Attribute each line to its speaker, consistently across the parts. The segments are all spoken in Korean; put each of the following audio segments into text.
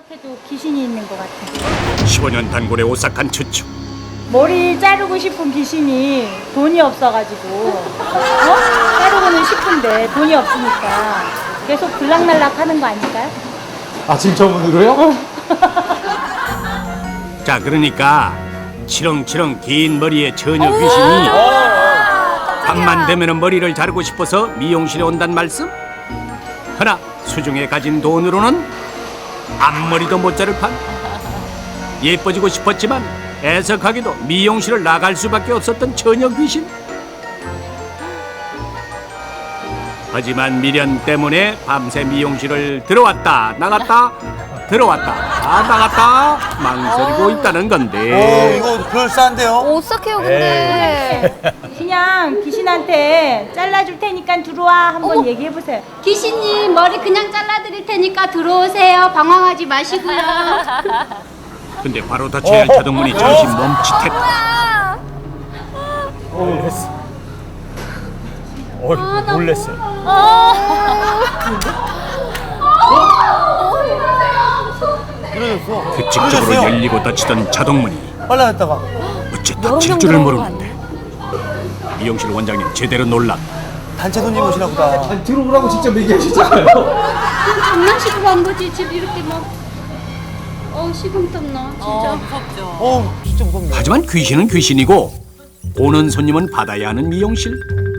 Speaker 1: 해도 귀신이 있는 것 같아.
Speaker 2: 15년 단골의 오싹한 추측.
Speaker 1: 머리 자르고 싶은 귀신이 돈이 없어가지고 자르고는 싶은데 돈이 없으니까 계속 들락날락 하는 거 아닐까요?
Speaker 3: 아침 저문으로요?
Speaker 2: 자, 그러니까 치렁치렁 긴 머리의 처녀 귀신이 밤만 되면 머리를 자르고 싶어서 미용실에 온단 말씀? 허나 수중에 가진 돈으로는 앞머리도 못 자를 판. 예뻐지고 싶었지만 애석하게도 미용실을 나갈 수밖에 없었던 처녀 귀신. 하지만 미련 때문에 밤새 미용실을 들어왔다 나갔다 들어왔다 나갔다 망설이고 있다는 건데.
Speaker 4: 이거 그럴싸한데요?
Speaker 5: 오싹해요 근데.
Speaker 1: 그냥 귀신한테 잘라줄 테니까 들어와 한번 얘기해보세요.
Speaker 6: 귀신님 머리 그냥 잘라드릴 테니까 들어오세요. 방황하지 마시고요.
Speaker 2: 근데 바로 닫혀야 할 자동문이 잠시 멈칫했다.
Speaker 3: 놀랬어. 놀랬어요.
Speaker 4: 그러셨어.
Speaker 2: 규칙적으로 열리고 닫히던 자동문이
Speaker 4: 빨라졌다가.
Speaker 2: 어째 닫힐 줄을 모르는데 미용실 원장님 제대로 놀랐다.
Speaker 4: 단체 손님 오시나 보다.
Speaker 3: 아니, 들어오라고 직접 얘기하시잖아요.
Speaker 6: 장난식으로 한 거지. 지금 이렇게 막 식은땀 나 진짜.
Speaker 4: 진짜 무섭네.
Speaker 2: 하지만 귀신은 귀신이고 오는 손님은 받아야 하는 미용실.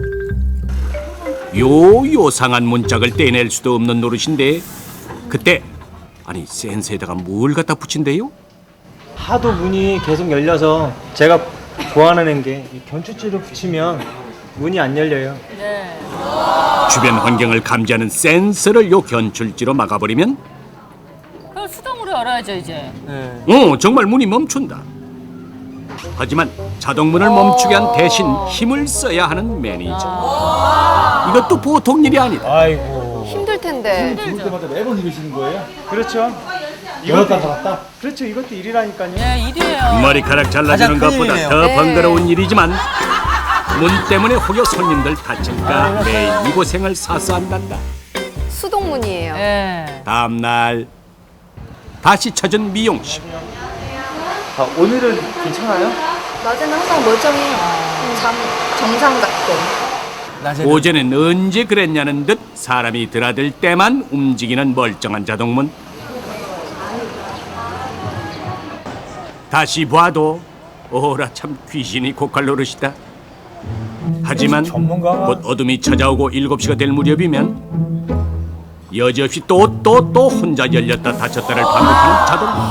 Speaker 2: 요상한 문짝을 떼낼 수도 없는 노릇인데 그때 아니 센스에다가 뭘 갖다 붙인대요?
Speaker 3: 하도 문이 계속 열려서 제가 고안하는 게 견출지를 붙이면 문이 안 열려요.
Speaker 2: 주변 환경을 감지하는 센서를 요 견출지로 막아버리면
Speaker 7: 그럼 수동으로 열어야죠 이제.
Speaker 2: 정말 문이 멈춘다. 하지만 자동문을 멈추게 한 대신 힘을 써야 하는 매니저. 이것도 보통 일이 아니다.
Speaker 3: 아이고.
Speaker 5: 힘들 텐데.
Speaker 3: 들어올 때마다 매번 이러시는 거예요? 그렇죠. 열었다 닫았다? 그렇죠. 이것도 일이라니까요.
Speaker 7: 네, 일이에요.
Speaker 2: 머리카락 잘라주는
Speaker 4: 가장 큰
Speaker 2: 것보다
Speaker 4: 일이네요.
Speaker 2: 더 번거로운 일이지만 문 때문에 혹여 손님들 다칠까 매일 이 고생을 사서 한단다.
Speaker 5: 수동문이에요.
Speaker 7: 네.
Speaker 2: 다음 날 다시 찾은 미용실.
Speaker 3: 오늘은 괜찮아요?
Speaker 5: 낮에는 항상 멀쩡히 정상 같고.
Speaker 2: 오전엔 언제 그랬냐는 듯 사람이 드나들 때만 움직이는 멀쩡한 자동문. 다시 봐도 오라 참 귀신이 고칼 노릇이다. 하지만
Speaker 3: 전문가가-
Speaker 2: 곧 어둠이 찾아오고 7시가 될 무렵이면 여지없이 또 혼자 열렸다 닫혔다를 반복하는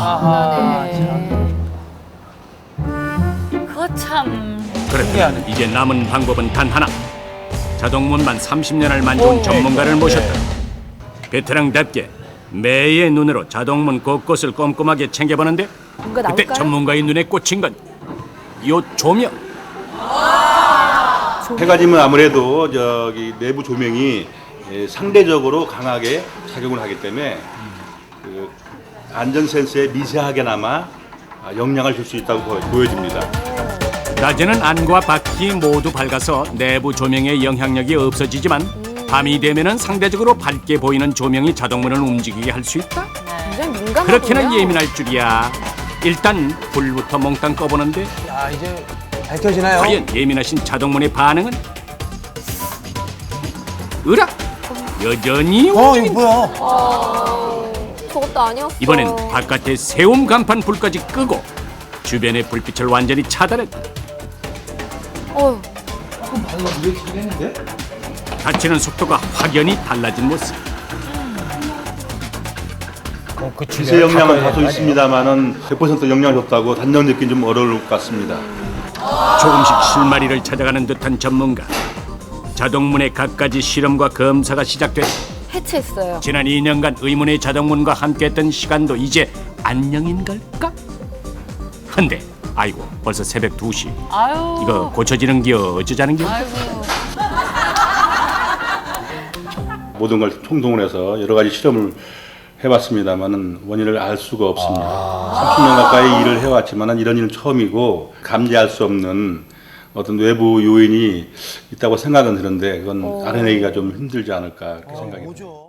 Speaker 2: 자동문.
Speaker 7: 그거 참.
Speaker 2: 그렇다면 이제 남은 방법은 단 하나. 자동문만 30년을 만져온 전문가를 모셨다. 베테랑답게 매의 눈으로 자동문 곳곳을 꼼꼼하게 챙겨보는데
Speaker 5: 뭔가
Speaker 2: 그때
Speaker 5: 나올까요?
Speaker 2: 전문가의 눈에 꽂힌 건 요 조명.
Speaker 8: 해가지면 아무래도 저기 내부 조명이 상대적으로 강하게 작용을 하기 때문에 그 안전 센서에 미세하게나마 영향을 줄 수 있다고 보여집니다.
Speaker 2: 낮에는 안과 바퀴 모두 밝아서 내부 조명의 영향력이 없어지지만 밤이 되면은 상대적으로 밝게 보이는 조명이 자동문을 움직이게 할 수 있다.
Speaker 5: 굉장히 민감하군요.
Speaker 2: 그렇게나 예민할 줄이야. 일단 불부터 몽땅 꺼보는데
Speaker 4: 야, 이제 밝혀지나요?
Speaker 2: 과연 예민하신 자동문의 반응은? 으라! 여전히
Speaker 4: 이거
Speaker 2: 움직인다.
Speaker 4: 뭐야?
Speaker 5: 저것도 아니었어.
Speaker 2: 이번엔 바깥에 세움 간판 불까지 끄고 주변의 불빛을 완전히 차단했다.
Speaker 5: 어휴.
Speaker 2: 닫히는 속도가 확연히 달라진 모습.
Speaker 8: 기세 영향은 다소 있습니다만은 100% 영향이 없다고 단정 짓기는 좀 어려울 것 같습니다.
Speaker 2: 조금씩 실마리를 찾아가는 듯한 전문가. 자동문의 갖가지 실험과 검사가 시작됐다.
Speaker 5: 해체했어요.
Speaker 2: 지난 2년간 의문의 자동문과 함께했던 시간도 이제 안녕인 걸까? 근데 아이고 벌써 새벽 2시.
Speaker 7: 아유.
Speaker 2: 이거 고쳐지는겨 어쩌자는겨?
Speaker 7: 아이고.
Speaker 8: 모든 걸 총동원 해서 여러 가지 실험을 해봤습니다만은 원인을 알 수가 없습니다. 30년 가까이 일을 해왔지만은 이런 일은 처음이고 감지할 수 없는 어떤 외부 요인이 있다고 생각은 드는데 그건 알아내기가 좀 힘들지 않을까 그렇게 생각이 듭니다.